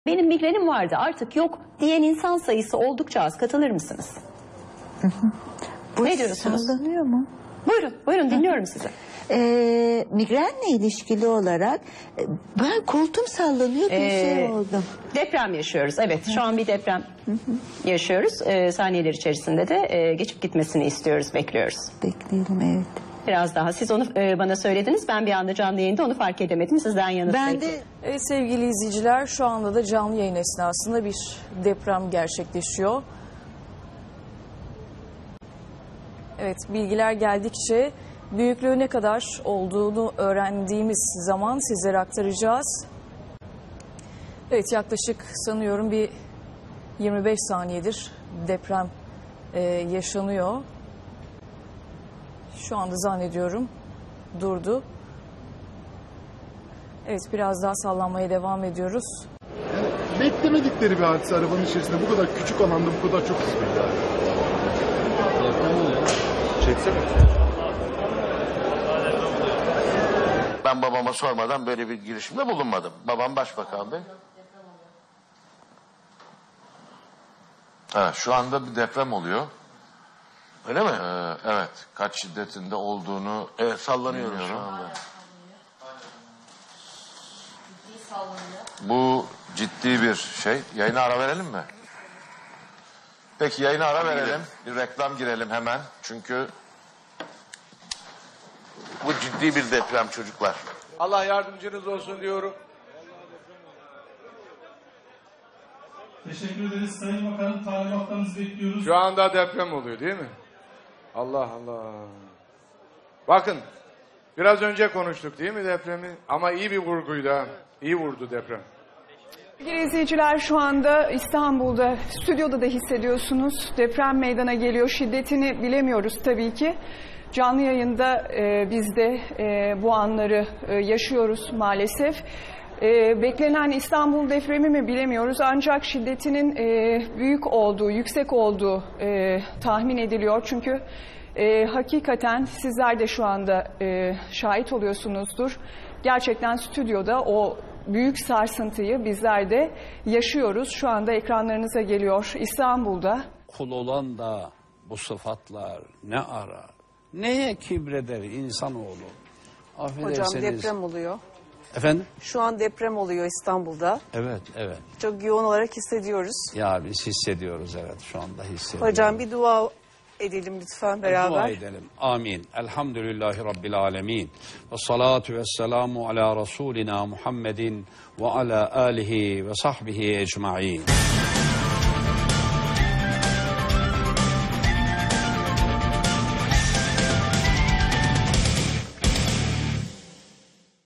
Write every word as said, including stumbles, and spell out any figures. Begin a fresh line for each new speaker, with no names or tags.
Benim migrenim vardı artık yok diyen insan sayısı oldukça az. Katılır mısınız?
Hı hı. Bu
ne diyorsunuz?
Sallanıyor mu?
Buyurun, buyurun dinliyorum sizi.
Ee, migrenle ilişkili olarak e, ben koltuğum sallanıyor bir
Ee,
şey oldum.
Deprem yaşıyoruz. Evet, şu an bir deprem yaşıyoruz. Ee, saniyeler içerisinde de e, geçip gitmesini istiyoruz, bekliyoruz.
Bekleyelim, evet.
Biraz daha. Siz onu e, bana söylediniz. Ben bir anda canlı yayında onu fark edemedim. Sizden yanıt
Ben
bekliyorum.
de
Evet sevgili izleyiciler, şu anda da canlı yayın esnasında bir deprem gerçekleşiyor. Evet, bilgiler geldikçe büyüklüğü ne kadar olduğunu öğrendiğimiz zaman sizlere aktaracağız. Evet, yaklaşık sanıyorum bir yirmi beş saniyedir deprem e, yaşanıyor. Şu anda zannediyorum durdu. Evet, biraz daha sallanmaya devam ediyoruz.
Yani beklemedikleri bir hadise arabanın içerisinde bu kadar küçük alanda bu kadar çok hızlı. Çeksene.
Ben babama sormadan böyle bir girişimde bulunmadım. Babam başbakandı. Ha, şu anda bir deprem oluyor. Öyle mi? Ee, evet. Kaç şiddetinde olduğunu evet, sallanıyorum şu anda. Bu ciddi bir şey. Yayına ara verelim mi? Peki yayına ara verelim. Bir reklam girelim hemen. Çünkü bu ciddi bir deprem çocuklar.
Allah yardımcınız olsun diyorum.
Teşekkür ederiz Sayın Bakanım. Talimatlarınızı bekliyoruz.
Şu anda deprem oluyor değil mi? Allah Allah. Bakın biraz önce konuştuk değil mi depremi? Ama iyi bir vurguydu ha. İyi vurdu deprem.
Sevgili izleyiciler, şu anda İstanbul'da, stüdyoda da hissediyorsunuz. Deprem meydana geliyor. Şiddetini bilemiyoruz tabii ki. Canlı yayında e, biz de e, bu anları e, yaşıyoruz maalesef. E, beklenen İstanbul depremi mi bilemiyoruz. Ancak şiddetinin e, büyük olduğu, yüksek olduğu e, tahmin ediliyor. Çünkü e, hakikaten sizler de şu anda e, şahit oluyorsunuzdur. Gerçekten stüdyoda o büyük sarsıntıyı bizler de yaşıyoruz. Şu anda ekranlarınıza geliyor İstanbul'da.
Kul olan da bu sıfatlar ne arar? Neye kibreder insanoğlu?
Hocam deprem oluyor.
Efendim?
Şu an deprem oluyor İstanbul'da.
Evet, evet.
Çok yoğun olarak hissediyoruz.
Ya biz hissediyoruz, evet, şu anda hissediyoruz.
Hocam bir dua edelim lütfen beraber.
Dua edelim. Amin. Elhamdülillahi Rabbil alemin. Ve salatu ve selamu ala Resulina Muhammedin ve ala alihi ve sahbihi ecma'in.